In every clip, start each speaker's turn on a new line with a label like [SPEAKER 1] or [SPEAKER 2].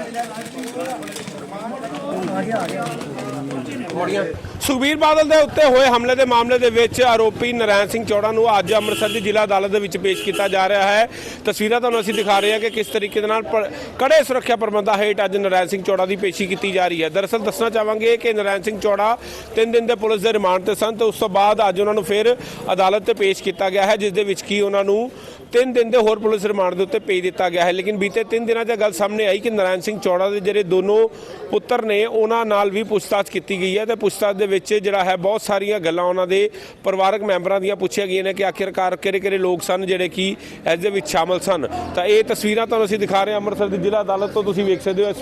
[SPEAKER 1] ਸੁਖਬੀਰ ਬਾਦਲ ਦੇ ਉੱਤੇ ਹੋਏ ਹਮਲੇ ਦੇ ਮਾਮਲੇ ਦੇ ਵਿੱਚ ਆਰੋਪੀ ਨਰੈਣ ਸਿੰਘ ਚੌੜਾ ਨੂੰ ਅੱਜ ਅੰਮ੍ਰਿਤਸਰ ਦੀ ਜ਼ਿਲ੍ਹਾ ਅਦਾਲਤ ਦੇ ਵਿੱਚ ਪੇਸ਼ ਕੀਤਾ ਜਾ ਰਿਹਾ ਹੈ। ਤਸਵੀਰਾਂ ਤੁਹਾਨੂੰ ਅਸੀਂ ਦਿਖਾ ਰਹੇ ਹਾਂ ਕਿ ਕਿਸ ਤਰੀਕੇ ਦੇ ਨਾਲ ਕੜੇ ਸੁਰੱਖਿਆ ਪ੍ਰਬੰਧਾਂ ਹੇਠ ਅੱਜ ਨਰੈਣ ਸਿੰਘ ਚੌੜਾ ਦੀ ਪੇਸ਼ੀ ਕੀਤੀ ਜਾ ਰਹੀ ਹੈ। ਦਰਅਸਲ ਦੱਸਣਾ ਚਾਹਾਂਗੇ ਕਿ ਨਰੈਣ ਸਿੰਘ ਚੌੜਾ 3 ਦਿਨ ਦੇ ਪੁਲਿਸ ਦੇ ਰਿਮਾਂਡ ਤੇ ਸਨ ਤੇ ਉਸ ਤੋਂ ਬਾਅਦ ਅੱਜ ਉਹਨਾਂ ਨੂੰ ਫਿਰ ਅਦਾਲਤ ਤੇ ਪੇਸ਼ ਕੀਤਾ ਗਿਆ ਹੈ, ਜਿਸ ਦੇ ਵਿੱਚ ਕੀ ਉਹਨਾਂ ਨੂੰ 3 ਦਿਨ ਦੇ ਹੋਰ ਪੁਲਿਸ ਰਿਮਾਂਡ ਦੇ ਉੱਤੇ ਭੇਜ ਦਿੱਤਾ ਗਿਆ ਹੈ। ਲੇਕਿਨ ਬੀਤੇ 3 ਦਿਨਾਂ 'ਚ ਗੱਲ ਸਾਹਮਣੇ ਆਈ ਕਿ ਨਰੈਣ ਸਿੰਘ ਚੌੜਾ ਦੇ ਜਿਹੜੇ ਦੋਨੋਂ ਪੁੱਤਰ ਨੇ ਉਹਨਾਂ ਨਾਲ ਵੀ ਪੁੱਛਤਾਛ ਕੀਤੀ ਗਈ ਹੈ ਤੇ ਪੁੱਛਤਾਛ ਦੇ ਵਿੱਚ ਜਿਹੜਾ ਹੈ ਬਹੁਤ ਸਾਰੀਆਂ ਗੱਲਾਂ ਉਹਨਾਂ ਦੇ ਪਰਿਵਾਰਕ ਮੈਂਬਰਾਂ ਦੀਆਂ ਪੁੱਛੀਆਂ ਗਈਆਂ ਨੇ ਕਿ ਆਖਿਰਕਾਰ ਕਿਹੜੇ ਲੋਕ ਸਨ ਜਿਹੜੇ ਕਿ ਇਸ ਦੇ ਵਿੱਚ ਸ਼ਾਮਲ ਸਨ। ਤਾਂ ਇਹ ਤਸਵੀਰਾਂ ਤੁਹਾਨੂੰ ਅਸੀਂ ਦਿਖਾ ਰਹੇ ਹਾਂ ਅੰਮ੍ਰਿਤਸਰ ਦੀ ਜ਼ਿਲ੍ਹਾ ਅਦਾਲਤ ਤੋਂ। ਤੁਸੀਂ ਵੇਖ ਸਕਦੇ ਹੋ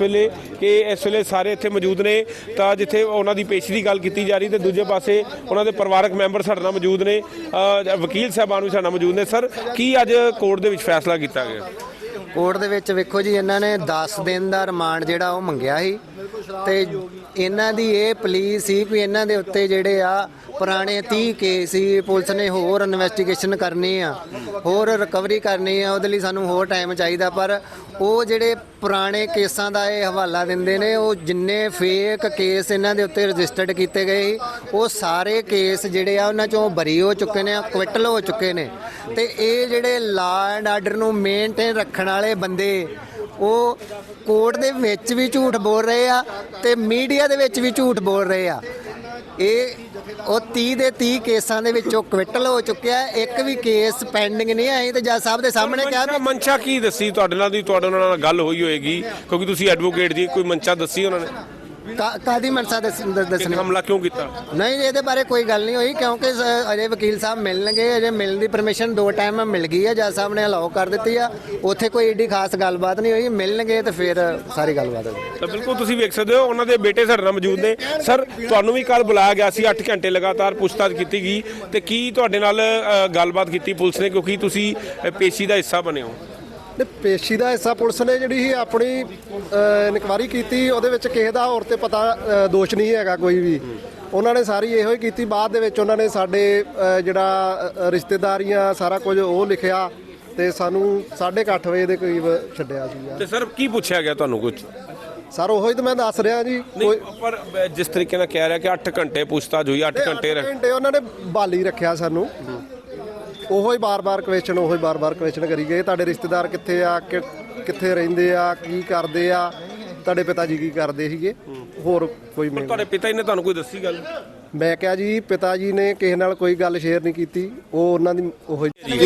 [SPEAKER 1] ਇਸ ਵੇਲੇ ਸਾਰੇ ਇੱਥੇ ਮੌਜੂਦ ਨੇ, ਤਾਂ ਜਿੱਥੇ ਉਹਨਾਂ ਦੀ ਪੇਸ਼ੀ ਦੀ ਗੱਲ ਕੀਤੀ ਜਾ ਰਹੀ ਤੇ ਦੂਜੇ ਪਾਸੇ ਉਹਨਾਂ ਦੇ ਪਰਿਵਾਰਕ ਮੈਂਬਰ ਸਾਡੇ ਨਾਲ ਮੌਜੂਦ ਨੇ, ਵਕੀਲ ਸਾਹਿਬਾਨ ਵੀ ਸਾਡੇ ਨਾਲ ਮੌਜੂਦ ਨੇ। ਸਰ, ਕੀ ਅੱਜ ਕੋਰਟ ਦੇ ਵਿੱਚ ਫੈਸਲਾ ਕੀਤਾ ਗਿਆ?
[SPEAKER 2] ਕੋਰਟ ਦੇ ਵਿੱਚ ਵੇਖੋ ਜੀ, ਇਹਨਾਂ ਨੇ 10 ਦਿਨ ਦਾ ਰਿਮਾਂਡ ਜਿਹੜਾ ਉਹ ਮੰਗਿਆ ਸੀ ਤੇ ਇਹਨਾਂ ਦੀ ਇਹ ਪਲੀਜ਼ ਸੀ ਕਿ ਇਹਨਾਂ ਦੇ ਉੱਤੇ ਜਿਹੜੇ ਆ ਪੁਰਾਣੇ 30 ਕੇਸ ਸੀ, ਪੁਲਿਸ ਨੇ ਹੋਰ ਇਨਵੈਸਟੀਗੇਸ਼ਨ ਕਰਨੀ ਆ, ਹੋਰ ਰਿਕਵਰੀ ਕਰਨੀ ਆ, ਉਹਦੇ ਲਈ ਸਾਨੂੰ ਹੋਰ ਟਾਈਮ ਚਾਹੀਦਾ। ਪਰ ਉਹ ਜਿਹੜੇ ਪੁਰਾਣੇ ਕੇਸਾਂ ਦਾ ਇਹ ਹਵਾਲਾ ਦਿੰਦੇ ਨੇ, ਉਹ ਜਿੰਨੇ ਫੇਕ ਕੇਸ ਇਹਨਾਂ ਦੇ ਉੱਤੇ ਰਜਿਸਟਰਡ ਕੀਤੇ ਗਏ ਉਹ ਸਾਰੇ ਕੇਸ ਜਿਹੜੇ ਆ ਉਹਨਾਂ ਚੋਂ ਬਰੀ ਹੋ ਚੁੱਕੇ ਨੇ, ਅਕਵਿਟਲ ਹੋ ਚੁੱਕੇ ਨੇ। ਤੇ ਇਹ ਜਿਹੜੇ ਲਾ ਐਂਡ ਆਰਡਰ ਨੂੰ ਮੇਨਟੇਨ ਰੱਖਣ ਵਾਲੇ ਬੰਦੇ ਉਹ ਕੋਰਟ ਦੇ ਵਿੱਚ ਵੀ ਝੂਠ ਬੋਲ ਰਹੇ ਆ ਤੇ ਮੀਡੀਆ ਦੇ ਵਿੱਚ ਵੀ ਝੂਠ ਬੋਲ ਰਹੇ ਆ। ਇਹ ਉਹ 30 ਦੇ 30 ਕੇਸਾਂ ਦੇ ਵਿੱਚੋਂ ਕਵਿਟਲ ਹੋ ਚੁੱਕਿਆ, ਇੱਕ ਵੀ ਕੇਸ ਪੈਂਡਿੰਗ ਨਹੀਂ ਆਈ। ਤੇ ਜੱਜ ਸਾਹਿਬ ਦੇ ਸਾਹਮਣੇ ਕਿਹਾ
[SPEAKER 1] ਮਨਸ਼ਾ ਕੀ ਦੱਸੀ ਤੁਹਾਡੇ ਨਾਲ ਗੱਲ ਹੋਈ ਹੋਏਗੀ ਕਿਉਂਕਿ ਤੁਸੀਂ ਐਡਵੋਕੇਟ ਜੀ, ਕੋਈ ਮਨਸ਼ਾ ਦੱਸੀ ਉਹਨਾਂ ਨੇ?
[SPEAKER 2] ਕਾਦੀ ਮਨਸਾ ਦੱਸਣੀ,
[SPEAKER 1] ਹਮਲਾ ਕਿਉਂ ਕੀਤਾ?
[SPEAKER 2] ਨਹੀਂ, ਇਹਦੇ ਬਾਰੇ ਕੋਈ ਗੱਲ ਨਹੀਂ ਹੋਈ ਕਿਉਂਕਿ ਅਜੇ ਵਕੀਲ ਸਾਹਿਬ ਮਿਲਣਗੇ, ਅਜੇ ਮਿਲਣ ਦੀ ਪਰਮਿਸ਼ਨ 2 ਟਾਈਮ ਮਿਲ ਗਈ ਹੈ, ਜੱਜ ਸਾਹਿਬ ਨੇ ਅਲਾਓ ਕਰ ਦਿੱਤੀ ਆ। ਉੱਥੇ ਕੋਈ ਏਡੀ ਖਾਸ ਗੱਲਬਾਤ ਨਹੀਂ ਹੋਈ, ਮਿਲਣਗੇ ਤੇ ਫਿਰ ਸਾਰੀ ਗੱਲਬਾਤ ਹੋਈ।
[SPEAKER 1] ਤਾਂ ਬਿਲਕੁਲ ਤੁਸੀਂ ਵੇਖ ਸਕਦੇ ਹੋ ਉਹਨਾਂ ਦੇ ਬੇਟੇ ਸਾਡੇ ਨਾਲ ਮੌਜੂਦ ਨੇ। ਸਰ, ਤੁਹਾਨੂੰ ਵੀ ਕੱਲ ਬੁਲਾਇਆ ਗਿਆ ਸੀ, 8 ਘੰਟੇ ਲਗਾਤਾਰ ਪੁੱਛਤਾਛ ਕੀਤੀ ਗਈ ਤੇ ਕੀ ਤੁਹਾਡੇ ਨਾਲ ਗੱਲਬਾਤ ਕੀਤੀ ਪੁਲਿਸ ਨੇ, ਕਿਉਂਕਿ ਤੁਸੀਂ ਪੇਸ਼ੀ ਦਾ ਹਿੱਸਾ ਬਣੇ ਹੋ?
[SPEAKER 3] ਪੇਸ਼ੀ ਦਾ ਹਿੱਸਾ ਪੁਲਿਸ ਨੇ ਜਿਹੜੀ ਸੀ ਆਪਣੀ ਇਨਕੁਆਇਰੀ ਕੀਤੀ, ਉਹਦੇ ਵਿੱਚ ਕਿਸੇ ਦਾ ਹੋਰ ਤੇ ਪਤਾ ਦੋਸ਼ ਨਹੀਂ ਹੈਗਾ ਕੋਈ ਵੀ। ਉਹਨਾਂ ਨੇ ਸਾਰੀ ਇਹੋ ਹੀ ਕੀਤੀ। ਬਾਅਦ ਦੇ ਵਿੱਚ ਉਹਨਾਂ ਨੇ ਸਾਡੇ ਜਿਹੜਾ ਰਿਸ਼ਤੇਦਾਰੀਆਂ ਸਾਰਾ ਕੁਝ ਉਹ ਲਿਖਿਆ ਤੇ ਸਾਨੂੰ 8:30 ਵਜੇ ਦੇ ਕਰੀਬ ਛੱਡਿਆ ਸੀ।
[SPEAKER 1] ਤੇ ਸਰ, ਕੀ ਪੁੱਛਿਆ ਗਿਆ ਤੁਹਾਨੂੰ ਕੁਝ?
[SPEAKER 3] ਸਰ ਉਹੀ ਤਾਂ ਮੈਂ ਦੱਸ ਰਿਹਾ ਜੀ।
[SPEAKER 1] ਪਰ ਜਿਸ ਤਰੀਕੇ ਨਾਲ ਕਹਿ ਰਿਹਾ ਕਿ 8 ਘੰਟੇ ਪੁੱਛਤਾਛ ਹੋਈ, 8 ਘੰਟੇ
[SPEAKER 3] ਉਹਨਾਂ ਨੇ ਬਾਲੀ ਰੱਖਿਆ ਸਾਨੂੰ। ਉਹੋ ਹੀ ਬਾਰ-ਬਾਰ ਕੁਐਸਚਨ ਕਰੀ ਗਏ, ਤੁਹਾਡੇ ਰਿਸ਼ਤੇਦਾਰ ਕਿੱਥੇ ਆ, ਕਿੱਥੇ ਰਹਿੰਦੇ ਆ, ਕੀ ਕਰਦੇ ਆ, ਤੁਹਾਡੇ ਪਿਤਾ ਜੀ ਕੀ ਕਰਦੇ ਸੀਗੇ, ਹੋਰ ਕੋਈ ਨਹੀਂ।
[SPEAKER 1] ਤੁਹਾਡੇ ਪਿਤਾ ਜੀ ਨੇ ਤੁਹਾਨੂੰ ਕੋਈ ਦੱਸੀ ਗੱਲ?
[SPEAKER 3] ਮੈਂ ਕਿਹਾ ਜੀ ਪਿਤਾ ਜੀ ਨੇ ਕਿਸੇ ਨਾਲ ਕੋਈ ਗੱਲ ਸ਼ੇਅਰ ਨਹੀਂ ਕੀਤੀ, ਉਹ ਉਹਨਾਂ ਦੀ ਉਹ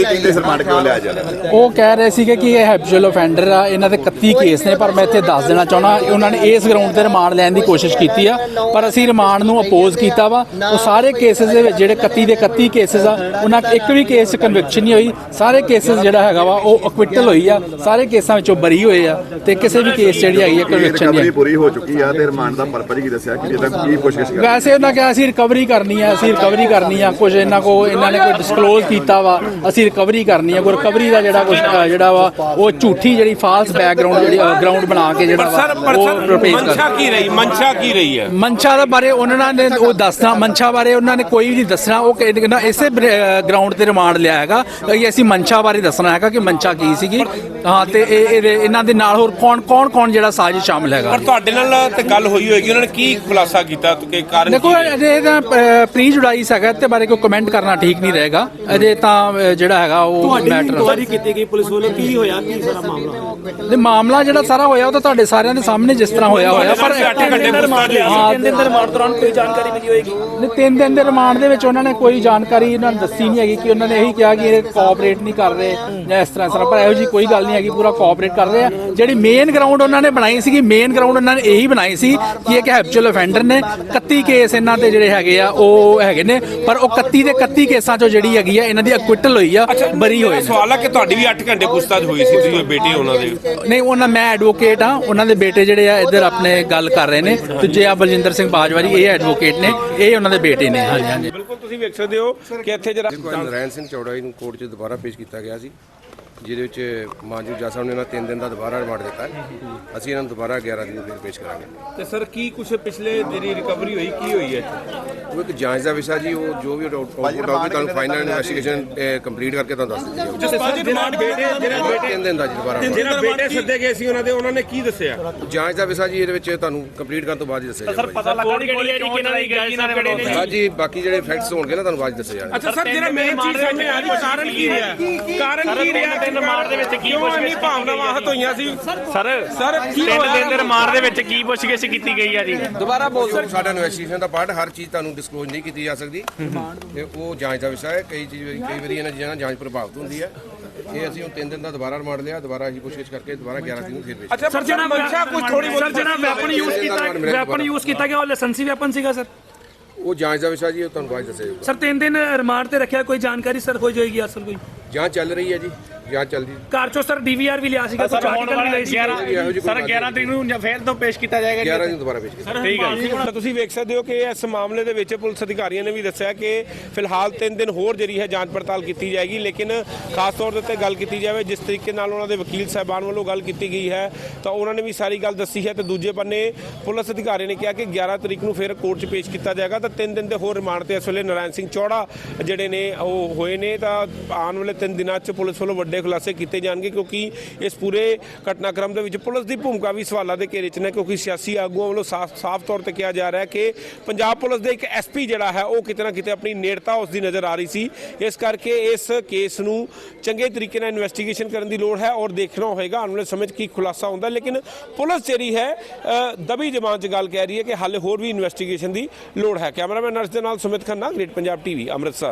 [SPEAKER 4] ਕਹਿ ਰਹੇ ਸੀਗੇ ਕਿ ਇਹ ਹੈਬਿਚੁਅਲ ਅਫੈਂਡਰ ਆ, ਇਹਨਾਂ ਦੇ 31 ਕੇਸ ਨੇ। ਪਰ ਮੈਂ ਇੱਥੇ ਦੱਸ ਦੇਣਾ ਚਾਹੁੰਦਾ, ਉਹਨਾਂ ਨੇ ਇਸ ਗਰਾਊਂਡ ਤੇ ਰਿਮਾਂਡ ਲੈਣ ਦੀ ਕੋਸ਼ਿਸ਼ ਕੀਤੀ ਆ, ਪਰ ਅਸੀਂ ਰਿਮਾਂਡ ਨੂੰ ਅਪੋਜ਼ ਕੀਤਾ ਵਾ। ਉਹ ਸਾਰੇ ਕੇਸਿਸ ਦੇ ਵਿੱਚ ਜਿਹੜੇ 31 ਦੇ 31 ਕੇਸਿਸ ਆ, ਉਹਨਾਂ ਇੱਕ ਵੀ ਕੇਸ 'ਚ ਕਨਵਿਕਸ਼ਨ ਨਹੀਂ ਹੋਈ। ਸਾਰੇ ਕੇਸਿਸ ਜਿਹੜਾ ਹੈਗਾ ਵਾ ਉਹ ਅਕਵਿਟਲ ਹੋਈ ਆ, ਸਾਰੇ ਕੇਸਾਂ ਵਿੱਚੋਂ ਬਰੀ ਹੋਏ ਆ ਤੇ ਕਿਸੇ ਵੀ ਕੇਸ ਜਿਹੜੀ ਹੈਗੀ ਹੈ ਕਨਵਿਕਸ਼ਨ ਨਹੀਂ
[SPEAKER 5] ਪੂਰੀ ਹੋ ਚੁੱਕੀ ਆ। ਤੇ ਰਿਮਾਂਡ ਦਾ ਪਰਪਸ ਕੀ ਦੱਸਿਆ ਕਿ ਇਹਦਾ ਕੀ ਕੋਸ਼ਿਸ਼ ਕਰ?
[SPEAKER 4] ਵੈਸੇ ਉਹਨਾਂ ਕਿਹਾ ਅਸੀਂ ਰਿਕਵਰੀ ਕਰਨੀ ਆ, ਕੁਝ ਇਹਨਾਂ ਨੇ ਕੋਈ ਡਿਸਕਲੋਜ਼ ਕੀਤਾ ਵਾ, ਅਸੀਂ ਰਿਕਵਰੀ ਕਰਨੀ ਆ। ਕੋਈ ਰਿਕਵਰੀ ਦਾ ਜਿਹੜਾ ਵਾ ਉਹ ਝੂਠੀ ਜਿਹੜੀ ਫਾਲਸ ਬੈਕਗ੍ਰਾਉਂਡ ਜਿਹੜੀ ਗਰਾਊਂਡ ਬਣਾ ਕੇ ਜਿਹੜਾ ਉਹ ਰਿਪੇਸ ਕਰ।
[SPEAKER 1] ਮਨਸ਼ਾ ਕੀ ਰਹੀ ਹੈ?
[SPEAKER 4] ਮਨਸ਼ਾ ਦੇ ਬਾਰੇ ਉਹਨਾਂ ਨੇ ਉਹ ਦੱਸਣਾ, ਮਨਸ਼ਾ ਬਾਰੇ ਉਹਨਾਂ ਨੇ ਕੋਈ ਵੀ ਨਹੀਂ ਦੱਸਣਾ। ਉਹ ਕਹਿੰਦਾ ਇਸੇ ਗਰਾਊਂਡ ਤੇ ਰਿਮਾਂਡ ਲਿਆ ਹੈਗਾ ਕਿ ਅਸੀਂ ਮਨਸ਼ਾ ਬਾਰੇ ਦੱਸਣਾ ਹੈਗਾ ਕਿ ਮਨਸ਼ਾ ਕੀ ਸੀਗੀ। ਹਾਂ, ਤੇ ਇਹਨਾਂ ਦੇ ਨਾਲ ਹੋਰ ਕੌਣ ਜਿਹੜਾ ਸਾਜ਼ਿਸ਼ ਸ਼ਾਮਲ ਹੈਗਾ।
[SPEAKER 1] ਪਰ ਤੁਹਾਡੇ ਨਾਲ ਤੇ ਗੱਲ ਹੋਈ ਹੋਏਗੀ, ਉਹਨਾਂ ਨੇ ਕੀ ਖੁਲਾਸਾ ਕੀਤਾ ਕਿ ਕਾਰਨ?
[SPEAKER 4] ਦੇਖੋ, ਇਹਦਾ ਪ੍ਰੀ ਜੁਡਾਈਸ ਹੈਗਾ ਤੇ ਬਾਰੇ ਕੋਈ ਕਮੈਂਟ ਕਰਨਾ ਠੀਕ ਨਹੀਂ ਰਹੇਗਾ। ਅਜੇ ਤਾਂ ਜਿਹੜਾ ਹੈਗਾ ਉਹ ਮੈਟਰ
[SPEAKER 6] ਇਨਕੁਆਇਰੀ ਕੀਤੀ ਗਈ ਪੁਲਿਸ ਵੱਲੋਂ, ਕੀ ਹੋਇਆ, ਕੀ ਸਾਰਾ
[SPEAKER 4] ਮਾਮਲਾ ਜਿਹੜਾ ਸਾਰਾ ਹੋਇਆ ਉਹ ਤਾਂ ਤੁਹਾਡੇ ਸਾਰਿਆਂ ਦੇ ਸਾਹਮਣੇ ਜਿਸ ਤਰ੍ਹਾਂ ਹੋਇਆ ਪਰ
[SPEAKER 6] 3 ਦਿਨ ਦੇ ਰਿਮਾਂਡ ਦੌਰਾਨ ਕੋਈ ਜਾਣਕਾਰੀ ਮਿਲੀ ਹੋਏਗੀ?
[SPEAKER 4] 3 ਦਿਨ ਦੇ ਰਿਮਾਂਡ ਦੇ ਵਿੱਚ ਉਹਨਾਂ ਨੇ ਕੋਈ ਜਾਣਕਾਰੀ ਇਹਨਾਂ ਨੂੰ ਦੱਸੀ ਨਹੀਂ ਹੈਗੀ ਕਿ ਉਹਨਾਂ ਨੇ ਇਹੀ ਕਿਹਾ ਕਿ ਇਹ ਕੋਆਪਰੇਟ ਨਹੀਂ ਕਰ ਰਹੇ ਜਾਂ ਇਸ ਤਰ੍ਹਾਂ। ਪਰ ਇਹੋ ਜਿਹੀ ਕੋਈ ਗੱਲ ਨਹੀਂ ਹੈਗੀ, ਪੂਰਾ ਕੋਆਪਰੇਟ ਕਰ ਰਹੇ ਆ। ਜਿਹੜੀ ਮੇਨ ਗਰਾਊਂਡ ਉਹਨਾਂ ਨੇ ਬਣਾਈ ਸੀਗੀ, ਮੇਨ ਗਰਾਊਂਡ ਉਹਨਾਂ ਨੇ ਇਹੀ ਬਣਾਈ ਸੀ ਕਿ ਇਹ ਹੈਬਿਚੁਅਲ ਅਫੈਂਡਰ ਨੇ। 31 ਕੇਸ ਇਹਨਾਂ ਤੇ ਜਿਹੜੇ ਹੈਗੇ ਆ ਉਹ ਹੈਗੇ ਨੇ, ਪਰ ਉਹ 31 ਦੇ 31 ਕੇਸਾਂ ਚੋਂ ਜਿਹੜੀ ਹੈਗੀ ਆ ਇਹਨਾਂ ਦੀ ਅਕਵਿਟਲ ਹੋਈ ਆ, ਬਰੀ ਹੋਈ।
[SPEAKER 1] ਸਵਾਲ ਆ ਕਿ ਤੁਹਾਡੀ ਵੀ 8 ਘੰਟੇ ਪੁੱਛਤਾਛ ਹੋਈ ਸੀ, ਤੁਸੀਂ ਬੇਟੇ ਉਹਨਾਂ ਦੇ?
[SPEAKER 4] ਨਹੀਂ, ਮੈਂ ਐਡਵੋਕੇਟ ਆ, ਉਹਨਾਂ ਦੇ ਬੇਟੇ ਜਿਹੜੇ ਆ ਇੱਧਰ ਆਪਣੇ ਗੱਲ ਕਰ ਰਹੇ ਨੇ। ਦੂਜੇ ਆ ਬਲਜਿੰਦਰ ਸਿੰਘ ਬਾਜਵਾ ਜੀ, ਇਹ ਐਡਵੋਕੇਟ ਨੇ, ਇਹ ਉਹਨਾਂ ਦੇ ਬੇਟੇ ਨੇ।
[SPEAKER 1] ਬਿਲਕੁਲ ਤੁਸੀਂ ਵੇਖ ਸਕਦੇ ਹੋ ਕਿ ਇੱਥੇ ਜਿਹੜਾ
[SPEAKER 7] ਨਰੈਣ ਸਿੰਘ ਚੌੜਾ ਜੀ ਨੂੰ ਕੋਰਟ 'ਚ ਦੁਬਾਰਾ ਪੇਸ਼ ਕੀਤਾ ਗਿਆ ਸੀ ਜਿਹਦੇ ਵਿੱਚ ਮਾਨਜੂ ਜੱਜ ਸਾਹਿਬ ਨੇ ਇਹਨਾਂ 3 ਦਿਨ ਦਾ ਦੁਬਾਰਾ ਰਿਮਾਂਡ ਦਿੱਤਾ ਹੈ। ਅਸੀਂ ਇਹਨਾਂ ਨੂੰ ਦੁਬਾਰਾ 11 ਦਿਨ ਨੂੰ ਫਿਰ ਪੇਸ਼ ਕਰਾਂਗੇ।
[SPEAKER 1] ਤੇ ਸਰ ਕੀ ਕੁਝ ਪਿਛਲੇ ਜਿਹੜੀ ਰਿਕਵਰੀ ਹੋਈ ਕੀ ਹੋਈ ਹੈ?
[SPEAKER 7] ਉਹ ਇੱਕ ਜਾਂਚ ਦਾ ਵਿਸ਼ਾ ਜੀ, ਉਹ ਜੋ ਵੀ ਆਊਟਪੁੱਟ ਆਊਗੀ ਤੁਹਾਨੂੰ ਫਾਈਨਲ ਇਨਵੈਸਟੀਗੇਸ਼ਨ ਕੰਪਲੀਟ ਕਰਕੇ ਤੁਹਾਨੂੰ ਦੱਸ ਦਿੱਤੀ ਜਾਊਗੀ।
[SPEAKER 1] ਸਰ ਰਿਮਾਂਡ ਬੇਟੇ
[SPEAKER 7] 3 ਦਿਨ ਦਾ ਜੀ ਦੁਬਾਰਾ
[SPEAKER 1] ਜਿਹੜਾ ਬੇਟੇ ਸੱਦੇ ਗਏ ਸੀ ਉਹਨਾਂ ਨੇ ਕੀ ਦੱਸਿਆ?
[SPEAKER 7] ਜਾਂਚ ਦਾ ਵਿਸ਼ਾ ਜੀ, ਇਹਦੇ ਵਿੱਚ ਤੁਹਾਨੂੰ ਕੰਪਲੀਟ ਕਰਨ ਤੋਂ ਬਾਅਦ ਹੀ ਦੱਸਿਆ ਜਾਊਗਾ।
[SPEAKER 6] ਪਤਾ ਲੱਗਾ ਕਿ ਕਿਹੜੀ ਹੈ ਜੀ, ਕਿਹਨਾਂ ਦੀ ਗਈ ਨਾਲ ਕਿਹੜੇ ਨੇ?
[SPEAKER 7] ਹਾਂਜੀ, ਬਾਕੀ ਜਿਹੜੇ ਫੈਕਟਸ ਹੋਣਗੇ ਨਾ ਤੁਹਾਨੂੰ ਬਾਅਦ 'ਚ ਦੱਸੇ ਜਾਣਗੇ।
[SPEAKER 1] ਅੱਛਾ ਸਰ, ਜਿਹੜਾ ਮੇਨ ਚੀਜ਼ ਸਾਹਮਣੇ ਆ ਰਹੀ, ਕਾਰਨ ਕੀ ਰਿਹਾ? ਕਾਰਨ ਕੀ ਰਿਹਾ?
[SPEAKER 6] ਤਿੰਨ ਰਿਮਾਂਡ ਦੇ ਵਿੱਚ ਕੀ
[SPEAKER 1] ਕਿਉਂ ਇੰਨੀ ਭਾਵਨਾਵਾਂ ਹੱਥ ਹੋਈਆਂ ਸੀ?
[SPEAKER 6] ਸਰ
[SPEAKER 1] ਕੀ
[SPEAKER 6] ਤਿੰਨ
[SPEAKER 1] ਹੋਇਆ?
[SPEAKER 6] ਦਿਨ ਦੇ ਰਿਮਾਂਡ ਦੇ ਵਿੱਚ ਕੀ ਪੁੱਛਗਿੱਛ ਕੀਤੀ ਗਈ ਆ ਜੀ?
[SPEAKER 1] ਦੁਬਾਰਾ ਬੋਲ ਸਰ।
[SPEAKER 7] ਸਾਡਾ ਇਨਵੈਸਟੀਗੇਸ਼ਨ ਦਾ ਪਾਰਟ, ਹਰ ਚੀਜ਼ ਤੁਹਾਨੂੰ ਡਿਸਕਲੋਜ਼ ਨਹੀਂ ਕੀਤੀ ਜਾ ਸਕਦੀ ਤੇ ਉਹ ਜਾਂਚ ਦਾ ਵਿਸ਼ਾ ਹੈ। ਕਈ ਵਾਰੀ ਇਹਨਾਂ ਚੀਜ਼ਾਂ ਨਾਲ ਜਾਂਚ ਪ੍ਰਭਾਵਿਤ ਹੁੰਦੀ ਹੈ। ਇਹ ਅਸੀਂ ਹੁਣ 3 ਦਿਨ ਦਾ ਦੁਬਾਰਾ ਰਿਮਾਂਡ ਲਿਆ, ਦੁਬਾਰਾ ਅਸੀਂ ਪੁੱਛਗਿੱਛ ਕਰਕੇ ਦੁਬਾਰਾ 11 ਦਿਨ ਨੂੰ ਫਿਰ ਭੇਜ
[SPEAKER 1] ਅੱਛਾ ਸਰ, ਜਿਹੜਾ ਮਨਸ਼ਾ ਕੁਝ ਥੋੜੀ
[SPEAKER 6] ਸਰ ਜਿਹੜਾ ਵੈਪਨ ਯੂਜ਼ ਕੀਤਾ ਗਿਆ ਉਹ ਲਾਇਸੈਂਸੀ ਵੈਪਨ ਸੀਗਾ ਸਰ?
[SPEAKER 7] ਉਹ ਜਾਂਚ ਦਾ ਵਿਸ਼ਾ ਜੀ, ਉਹ ਤੁਹਾਨੂੰ ਬਾਅਦ 'ਚ ਦੱਸਿਆ ਜਾਊਗਾ।
[SPEAKER 6] ਸਰ 3 ਦਿਨ ਰਿਮਾਂਡ ਤੇ ਰੱਖਿਆ, ਕੋਈ ਜਾਣਕਾਰੀ ਸਰ ਹੋ ਜਾਏਗੀ ਅਸਲ ਕੋਈ?
[SPEAKER 7] ਜਾਂਚ ਚੱਲ ਰਹੀ ਹੈ ਜੀ, ਜਾਂਚ ਚੱਲਦੀ।
[SPEAKER 6] ਘਰ ਚੋਂ ਸਰ ਡੀਵੀਆਰ ਵੀ ਲਿਆ ਸੀਗਾ, ਕੁਝ ਆਰਟੀਕਲ ਵੀ ਲਈ ਸੀ।
[SPEAKER 7] ਸਰ 11
[SPEAKER 6] ਤਰੀਕ ਨੂੰ ਫੇਰ ਤੋਂ ਪੇਸ਼ ਕੀਤਾ ਜਾਏਗਾ
[SPEAKER 7] 11 ਦਿਨ ਦੁਬਾਰਾ ਪੇਸ਼ ਕੀਤਾ।
[SPEAKER 1] ਠੀਕ ਹੈ। ਤਾਂ ਤੁਸੀਂ ਵੇਖ ਸਕਦੇ ਹੋ ਕਿ ਇਸ ਮਾਮਲੇ ਦੇ ਵਿੱਚ ਪੁਲਿਸ ਅਧਿਕਾਰੀਆਂ ਨੇ ਵੀ ਦੱਸਿਆ ਕਿ ਫਿਲਹਾਲ 3 ਦਿਨ ਹੋਰ ਜਿਹੜੀ ਹੈ ਜਾਂਚ ਪੜਤਾਲ ਕੀਤੀ ਜਾਏਗੀ, ਲੇਕਿਨ ਖਾਸ ਤੌਰ ਦੇ ਉੱਤੇ ਗੱਲ ਕੀਤੀ ਜਾਵੇ ਜਿਸ ਤਰੀਕੇ ਨਾਲ ਉਹਨਾਂ ਦੇ ਵਕੀਲ ਸਾਹਿਬਾਨ ਵੱਲੋਂ ਗੱਲ ਕੀਤੀ ਗਈ ਹੈ ਤਾਂ ਉਹਨਾਂ ਨੇ ਵੀ ਸਾਰੀ ਗੱਲ ਦੱਸੀ ਹੈ। ਤੇ ਦੂਜੇ ਬੰਨੇ ਪੁਲਿਸ ਅਧਿਕਾਰੀ ਨੇ ਕਿਹਾ ਕਿ 11 ਤਰੀਕ ਨੂੰ ਫਿਰ ਕੋਰਟ 'ਚ ਪੇਸ਼ ਕੀਤਾ ਜਾਏਗਾ ਤਾਂ 3 ਦਿਨ ਦੇ ਹੋਰ ਰਿਮਾਂਡ ਤੇ ਇਸ ਵੇਲੇ ਨਾਰਾਇਣ ਸਿੰਘ ਚੌੜਾ ਜਿਹੜੇ ਨੇ ਉਹ ਹੋਏ ਨੇ। ਤਾਂ ਆਉਣ ਵਾਲੇ 3 ਦਿਨਾਂ 'ਚ ਪੁਲਿਸ ਵੱਲੋਂ ਵੱਡੇ ਖੁਲਾਸੇ ਕੀਤੇ ਜਾਣਗੇ, ਕਿਉਂਕਿ ਇਸ ਪੂਰੇ ਘਟਨਾਕ੍ਰਮ ਦੇ ਵਿੱਚ ਪੁਲਿਸ ਦੀ ਭੂਮਿਕਾ ਵੀ ਸਵਾਲਾਂ ਦੇ ਘੇਰੇ 'ਚ ਨੇ, ਕਿਉਂਕਿ ਸਿਆਸੀ ਆਗੂਆਂ ਵੱਲੋਂ ਸਾਫ਼ ਤੌਰ ਤੇ ਕਿਹਾ ਜਾ ਰਿਹਾ ਹੈ ਕਿ ਪੰਜਾਬ ਪੁਲਿਸ ਦੇ ਇੱਕ ਐਸਪੀ ਜਿਹੜਾ ਹੈ ਉਹ ਕਿਤੇ ਨਾ ਕਿਤੇ ਆਪਣੀ ਨੇੜਤਾ ਉਸ ਦੀ ਨਜ਼ਰ ਆ ਰਹੀ ਸੀ। ਇਸ ਕਰਕੇ ਇਸ ਕੇਸ ਨੂੰ ਚੰਗੇ ਤਰੀਕੇ ਨਾਲ ਇਨਵੈਸਟੀਗੇਸ਼ਨ ਕਰਨ ਦੀ ਲੋੜ ਹੈ ਔਰ ਦੇਖਣਾ ਹੋਏਗਾ ਆਉਣ ਵਾਲੇ ਸਮੇਂ 'ਚ ਕੀ ਖੁਲਾਸਾ ਹੁੰਦਾ। ਲੇਕਿਨ ਪੁਲਿਸ ਜਿਹੜੀ ਹੈ ਦਬੀ ਜ਼ਬਾਨ 'ਚ ਗੱਲ ਕਹਿ ਰਹੀ ਹੈ ਕਿ ਹਾਲੇ ਹੋਰ ਵੀ ਇਨਵੈਸਟੀਗੇਸ਼ਨ ਦੀ ਲੋੜ ਹੈ। ਕੈਮਰਾਮੈਨ ਨਰਸ ਦੇ ਨਾਲ ਸੁਮਿਤ ਖੰਨਾ, ਗ੍ਰੇਟ ਪੰਜਾਬ ਟੀਵੀ, ਅੰਮ੍ਰਿਤਸਰ।